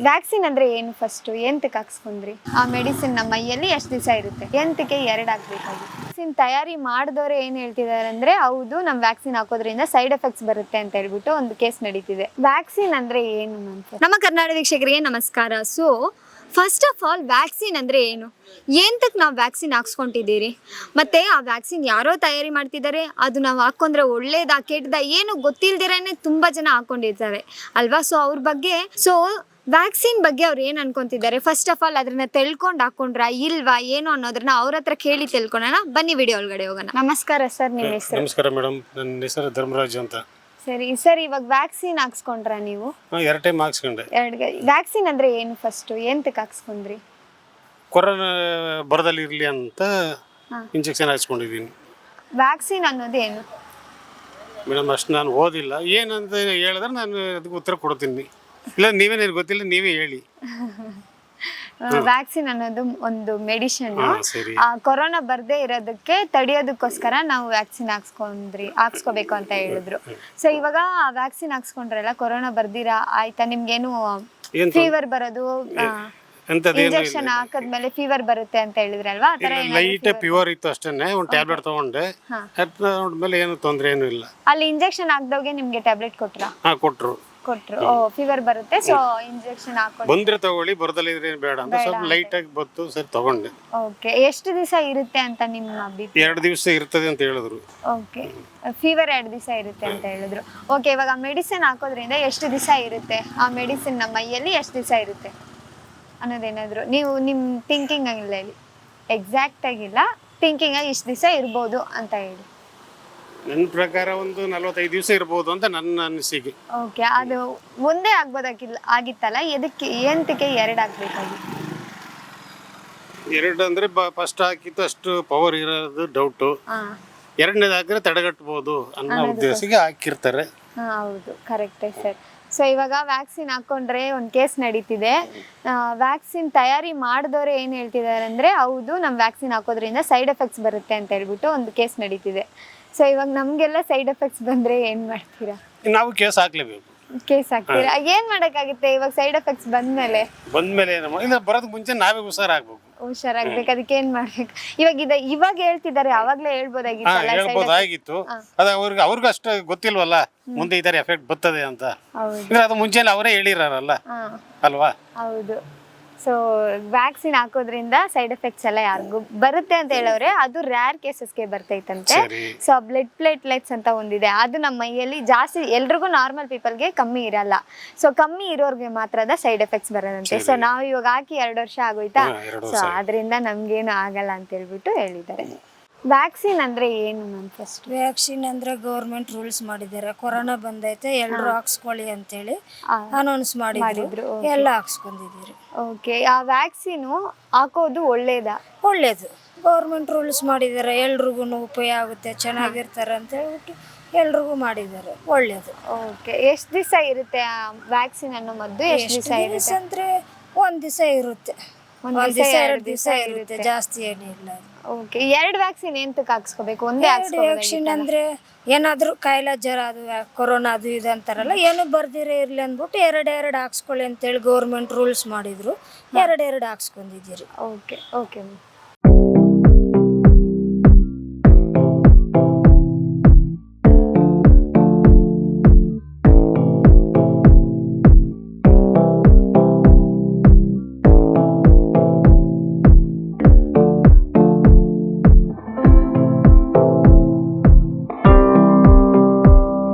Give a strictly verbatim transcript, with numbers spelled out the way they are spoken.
Vaccine ಅಂದ್ರೆ ಏನು? First ಎಂತಕ್ಕೆ ಹಾಕ್ಸ್ಕೊಂಡ್ರಿ? ಆ ಮೆಡಿಸಿನ್ ನಮ್ಮ ಮೈಯಲ್ಲಿ ಎಷ್ಟು ದಿವಸ ಇರುತ್ತೆ? ಎಂತಕ್ಕೆ ಎರಡು ಹಾಕ್ಬೇಕಾಗಿ? ವ್ಯಾಕ್ಸಿನ್ ತಯಾರಿ ಮಾಡಿದವರು ಏನ್ ಹೇಳ್ತಿದ್ದಾರೆ ಅಂದ್ರೆ ಹೌದು ನಮ್ ವ್ಯಾಕ್ಸಿನ್ ಹಾಕೋದ್ರಿಂದ ಸೈಡ್ ಎಫೆಕ್ಟ್ಸ್ ಬರುತ್ತೆ ಅಂತ ಹೇಳ್ಬಿಟ್ಟು ಒಂದು ಕೇಸ್ ನಡೀತಿದೆ. ವ್ಯಾಕ್ಸಿನ್ ಅಂದ್ರೆ ಏನು ಅಂತ ನಮ್ಮ ಕರ್ನಾಟಕ ವೀಕ್ಷಕರಿಗೆ ನಮಸ್ಕಾರ. So first of all vaccine ಅಂದರೆ ಏನು, ಎಂತಕ್ಕೆ ನಾವು ವ್ಯಾಕ್ಸಿನ್ ಹಾಕ್ಸ್ಕೊತಿದ್ದೀರಿ, ಮತ್ತು ಆ ವ್ಯಾಕ್ಸಿನ್ ಯಾರೋ ತಯಾರಿ ಮಾಡ್ತಿದ್ದಾರೆ, ಅದು ನಾವು ಹಾಕ್ಕೊಂಡ್ರೆ ಒಳ್ಳೇದಾ ಕೆಟ್ಟದಾ ಏನು ಗೊತ್ತಿಲ್ದಿರೇ ತುಂಬ ಜನ ಹಾಕ್ಕೊಂಡಿರ್ತಾರೆ ಅಲ್ವಾ. ಸೊ ಅವ್ರ ಬಗ್ಗೆ ಸೊ ವ್ಯಾಕ್ಸಿನ್ ಬಗ್ಗೆ ಅವ್ರು ಏನು ಅನ್ಕೊತಿದ್ದಾರೆ, ಫಸ್ಟ್ ಆಫ್ ಆಲ್ ಅದನ್ನ ತಿಳ್ಕೊಂಡು ಹಾಕ್ಕೊಂಡ್ರಾ ಇಲ್ವಾ ಏನು ಅನ್ನೋದನ್ನ ಅವ್ರ ಹತ್ರ ಕೇಳಿ ತಿಳ್ಕೊಳ್ಳೋಣ. ಬನ್ನಿ ವಿಡಿಯೋ ಒಳಗಡೆ ಹೋಗೋಣ. ನಮಸ್ಕಾರ ಸರ್, ನಿಮ್ಮ ಹೆಸರು? ನಮಸ್ಕಾರ ಮೇಡಮ್, ನನ್ನ ಹೆಸರು ಧರ್ಮರಾಜ್ ಅಂತ. ಸರಿ ಸರ್, ಇವಾಗ ವ್ಯಾಕ್ಸಿನ್ ಹಾಕ್ಸ್ಕೊಂಡ್ರ ನೀವು? ಎರಡು ಟೈಮ್ ಹಾಕ್ಸ್ಕೊಂಡೆ. ಎರಡು ವ್ಯಾಕ್ಸಿನ್ ಅಂದ್ರೆ ಏನು? ಫಸ್ಟ್ ಎಂತಕ್ಕೆ ಹಾಕ್ಸ್ಕೊಂಡ್ರಿ? ಕೊರೋನಾ ಬರದಲ್ಲಿ ಇರಲಿ ಅಂತ ಇಂಜೆಕ್ಷನ್ ಹಾಕ್ಸ್ಕೊಂಡಿದ್ದೀನಿ. ವ್ಯಾಕ್ಸಿನ್ ಅನ್ನೋದು ಏನು ಮೇಡಮ್? ಅಷ್ಟು ನಾನು ಓದಿಲ್ಲ, ಏನಂತ ಹೇಳಿದ್ರೆ ನಾನು ಅದಕ್ಕೆ ಉತ್ತರ ಕೊಡ್ತೀನಿ. ಇಲ್ಲ ನೀವೇ ನನಗೆ ಗೊತ್ತಿಲ್ಲ, ನೀವೇ ಹೇಳಿ. ವ್ಯಾಕ್ಸಿನ್ ಅನ್ನೋದು ಒಂದು ಮೆಡಿಸಿನ್. ಸರಿ. ಕೊರೋನಾ ಬರ್ದೇ ಇರೋದಕ್ಕೆ ತಡೆಯೋದಕ್ಕೋಸ್ಕರ ನಾವು ವ್ಯಾಕ್ಸಿನ್ ಹಾಕ್ಸ್ಕೊಂಡ್ರಿ ಹಾಕ್ಸ್ಕೋಬೇಕು ಅಂತ ಹೇಳಿದ್ರು. ಸೊ ಇವಾಗ ವ್ಯಾಕ್ಸಿನ್ ಹಾಕ್ಸ್ಕೊಂಡ್ರಲ್ಲ, ಕೊರೋನಾ ಬರ್ದಿರಾ ಆಯ್ತಾ, ನಿಮ್ಗೇನು ಫೀವರ್ ಬರೋದು ಇಂಜೆಕ್ಷನ್ ಹಾಕದ್ಮೇಲೆ ಫೀವರ್ ಬರುತ್ತೆ ಅಂತ ಹೇಳಿದ್ರಲ್ವಾ? ಆ ತರ ಲೈಟ್ ಫೀವರ್ ಇತ್ತು ಅಷ್ಟೇನೆ, ಒಂದು ಟ್ಯಾಬ್ಲೆಟ್ ತಗೊಂಡೆ, ಮೇಲೆ ಏನು ತೊಂದರೆ ಏನು ಇಲ್ಲ. ಅಲ್ಲಿ ಇಂಜೆಕ್ಷನ್ ಹಾಕ್ದವ್ಗೆ ನಿಮ್ಗೆ ಟ್ಯಾಬ್ಲೆಟ್ ಕೊಟ್ರಾ? ಹಾ ಕೊಟ್ರು ಕೊಟ್ರು ಓ ಫೀವರ್ ಬರುತ್ತೆ ಸೊ ಇಂಜೆಕ್ಷನ್ ಹಾಕೊಂಡು ಬಂದ್ರೆ ತಗೊಳ್ಳಿ, ಬರದಲ್ಲಿ ಇದ್ರೆ ಬೇಡ ಅಂತ ಸ್ವಲ್ಪ ಲೈಟ್ ಆಗಿ ಬತ್ತು, ಸರಿ ತಗೊಂಡೆ. ಓಕೆ, ಎಷ್ಟು ದಿವಸ ಇರುತ್ತೆ ಅಂತ ನಿಮ್ಮ ಅಭಿಪ್ರಾಯ? ಎರಡು ದಿವಸ ಇರ್ತದೆ ಅಂತ ಹೇಳಿದ್ರು. ಓಕೆ, ಫೀವರ್ ಎರಡು ದಿವಸ ಇರುತ್ತೆ ಅಂತ ಹೇಳಿದ್ರು. ಓಕೆ, ಇವಾಗ ಮೆಡಿಸಿನ್ ಹಾಕೋದ್ರಿಂದ ಎಷ್ಟು ದಿವಸ ಇರುತ್ತೆ ಆ ಮೆಡಿಸಿನ್ ನಮ್ಮ ಮೈಯಲ್ಲಿ, ಎಷ್ಟು ದಿವಸ ಇರುತ್ತೆ ಅನ್ನೋದೇನಾದ್ರು ನೀವು ನಿಮ್ಮ ಥಿಂಕಿಂಗ್ ಆಗಿಲ್ಲ ಹೇಳಿ, ಎಕ್ಸಾಕ್ಟ್ ಆಗಿಲ್ಲ, ಥಿಂಕಿಂಗ್ ಆಗಿ ಇಷ್ಟು ದಿವಸ ಇರ್ಬೋದು ಅಂತ ಹೇಳಿ. ನನ್ನ ಪ್ರಕಾರ ಒಂದು ನಲವತ್ತೈದು ದಿವಸ ಇರ್ಬೋದು ಅಂತ ನನ್ನ ಅನಿಸಿಕೆ. ಓಕೆ, ಅದು ಒಂದೇ ಆಗ್ಬೋದಾಗಿಲ್ಲ ಆಗಿತ್ತಲ್ಲ, ಎದಕ್ಕೆ ಎಂತಕ್ಕೆ ಎರಡು ಹಾಕ್ಬೇಕಾಗಿ? ಎರಡು ಅಂದ್ರೆ ಫಸ್ಟ್ ಹಾಕಿತ್ತು ಅಷ್ಟು ಪವರ್ ಇರೋದು ಡೌಟು, ಎರಡನೇದು ಹಾಕಿದ್ರೆ ತಡೆಗಟ್ಟಬಹುದು ಅನ್ನೋ ಉದ್ದೇಶಕ್ಕೆ ಹಾಕಿರ್ತಾರೆ. ಹಾಂ ಹೌದು, ಕರೆಕ್ಟೇ ಸರ್. ಸೊ ಇವಾಗ ವ್ಯಾಕ್ಸಿನ್ ಹಾಕ್ಕೊಂಡ್ರೆ ಒಂದು ಕೇಸ್ ನಡೀತಿದೆ. ವ್ಯಾಕ್ಸಿನ್ ತಯಾರಿ ಮಾಡಿದವರು ಏನು ಹೇಳ್ತಿದ್ದಾರೆ ಅಂದರೆ ಹೌದು ನಮ್ಮ ವ್ಯಾಕ್ಸಿನ್ ಹಾಕೋದ್ರಿಂದ ಸೈಡ್ ಎಫೆಕ್ಟ್ಸ್ ಬರುತ್ತೆ ಅಂತ ಹೇಳ್ಬಿಟ್ಟು ಒಂದು ಕೇಸ್ ನಡೀತಿದೆ. ಸೊ ಇವಾಗ ನಮಗೆಲ್ಲ ಸೈಡ್ ಎಫೆಕ್ಟ್ಸ್ ಬಂದರೆ ಏನು ಮಾಡ್ತೀರಾ? ನಾವು ಕೇಸ್ ಹಾಕ್ಲೇಬೇಕು. ಕೇಸ್ ಹಾಕ್ತೀರಾ? ಏನು ಮಾಡೋಕ್ಕಾಗುತ್ತೆ ಇವಾಗ ಸೈಡ್ ಎಫೆಕ್ಟ್ಸ್ ಬಂದಮೇಲೆ? ಬಂದಮೇಲೆ ಇಲ್ಲ, ಬರೋದಕ್ಕೆ ಮುಂಚೆ ನಾವೇ ಹುಷಾರಾಗಬೇಕು. ಹುಷಾರಾಗ್ಬೇಕು, ಅದಕ್ಕೆ ಏನು ಮಾಡ್ಬೇಕು? ಇವಾಗ ಇದೆ ಇವಾಗ ಹೇಳ್ತಿದ್ದಾರೆ, ಅವಾಗಲೇ ಹೇಳ್ಬೋದಾಗಿತ್ತು. ಹೇಳ್ಬೋದಾಗಿತ್ತು, ಅದು ಅವ್ರಿಗೆ ಅವ್ರಿಗೂ ಅಷ್ಟು ಗೊತ್ತಿಲ್ವಲ್ಲ ಮುಂದೆ ಈ ತರ ಎಫೆಕ್ಟ್ ಬರ್ತದೆ ಅಂತ. ಅದು ಮುಂಚೆಲ್ಲ ಅವರೇ ಹೇಳಿರಲ್ಲ ಅಲ್ವಾ? ಹೌದು. ಸೊ ವ್ಯಾಕ್ಸಿನ್ ಹಾಕೋದ್ರಿಂದ ಸೈಡ್ ಎಫೆಕ್ಟ್ಸ್ ಎಲ್ಲ ಯಾರಿಗೂ ಬರುತ್ತೆ ಅಂತ ಹೇಳೋರೆ, ಅದು ರ್ಯಾರ್ ಕೇಸಸ್ಗೆ ಬರ್ತೈತಂತೆ. ಸೊ ಬ್ಲಡ್ ಪ್ಲೇಟ್ಲೆಟ್ಸ್ ಅಂತ ಒಂದಿದೆ, ಅದು ನಮ್ಮ ಮೈಯಲ್ಲಿ ಜಾಸ್ತಿ, ಎಲ್ರಿಗೂ ನಾರ್ಮಲ್ ಪೀಪಲ್ಗೆ ಕಮ್ಮಿ ಇರಲ್ಲ. ಸೊ ಕಮ್ಮಿ ಇರೋರ್ಗೆ ಮಾತ್ರದ ಸೈಡ್ ಎಫೆಕ್ಟ್ಸ್ ಬರೋದಂತೆ. ಸೊ ನಾವು ಇವಾಗ ಹಾಕಿ ಎರಡು ವರ್ಷ ಆಗೋಯ್ತಾ, ಸೊ ಅದರಿಂದ ನಮ್ಗೇನು ಆಗಲ್ಲ ಅಂತ ಹೇಳ್ಬಿಟ್ಟು ಹೇಳಿದ್ದಾರೆ. ವ್ಯಾಕ್ಸಿನ್ ಅಂದ್ರೆ ಏನು ಮ್ಯಾಮ್? ಫಸ್ಟ್ ವ್ಯಾಕ್ಸಿನ್ ಅಂದ್ರೆ ಗೌರ್ಮೆಂಟ್ ರೂಲ್ಸ್ ಮಾಡಿದ್ದಾರೆ, ಕೊರೋನಾ ಬಂದೈತೆ ಎಲ್ಲರೂ ಹಾಕ್ಸ್ಕೊಳ್ಳಿ ಅಂತೇಳಿ ಅನೌನ್ಸ್ ಮಾಡಿದ್ರು, ಎಲ್ಲ ಹಾಕ್ಸ್ಕೊಂಡಿದ್ದೀರಿ. ಓಕೆ, ಆ ವ್ಯಾಕ್ಸಿನು ಹಾಕೋದು ಒಳ್ಳೇದಾ? ಒಳ್ಳೇದು, ಗೌರ್ಮೆಂಟ್ ರೂಲ್ಸ್ ಮಾಡಿದ್ದಾರೆ, ಎಲ್ರಿಗೂ ಉಪಯೋಗ ಆಗುತ್ತೆ, ಚೆನ್ನಾಗಿರ್ತಾರೆ ಅಂತ ಹೇಳ್ಬಿಟ್ಟು ಎಲ್ರಿಗೂ ಮಾಡಿದ್ದಾರೆ, ಒಳ್ಳೇದು. ಓಕೆ, ಎಷ್ಟು ದಿವಸ ಇರುತ್ತೆ ಆ ವ್ಯಾಕ್ಸಿನ್ ಅನ್ನೋ ಮದ್ದು? ಎಷ್ಟು ದಿವಸ ಇರುತ್ತೆ ಅಂದ್ರೆ ಒಂದ್ ದಿವಸ ಇರುತ್ತೆ, ಒಂದ್ ದಿವಸ ಎರಡು ದಿವಸ ಇರುತ್ತೆ, ಜಾಸ್ತಿ ಏನಿಲ್ಲ. ಓಕೆ, ಎರಡು ವ್ಯಾಕ್ಸಿನ್ ಎಂತಕ್ಕೆ ಹಾಕ್ಸ್ಕೋಬೇಕು? ಒಂದೇ ವ್ಯಾಕ್ಸಿನ್ ಅಂದ್ರೆ ಏನಾದ್ರು ಕಾಯಿಲೆ ಜ್ವರ ಅದು ಕೊರೋನಾ ಅದು ಇದು ಅಂತಾರಲ್ಲ, ಏನು ಬರ್ದಿರೇ ಇರ್ಲಿ ಅಂದ್ಬಿಟ್ಟು ಎರಡು ಎರಡು ಹಾಕ್ಸ್ಕೊಳ್ಳಿ ಅಂತೇಳಿ ಗೌರ್ಮೆಂಟ್ ರೂಲ್ಸ್ ಮಾಡಿದ್ರು, ಎರಡು ಎರಡು ಹಾಕ್ಸ್ಕೊಂಡಿದ್ದೀರಿ. Okay okay ma'am.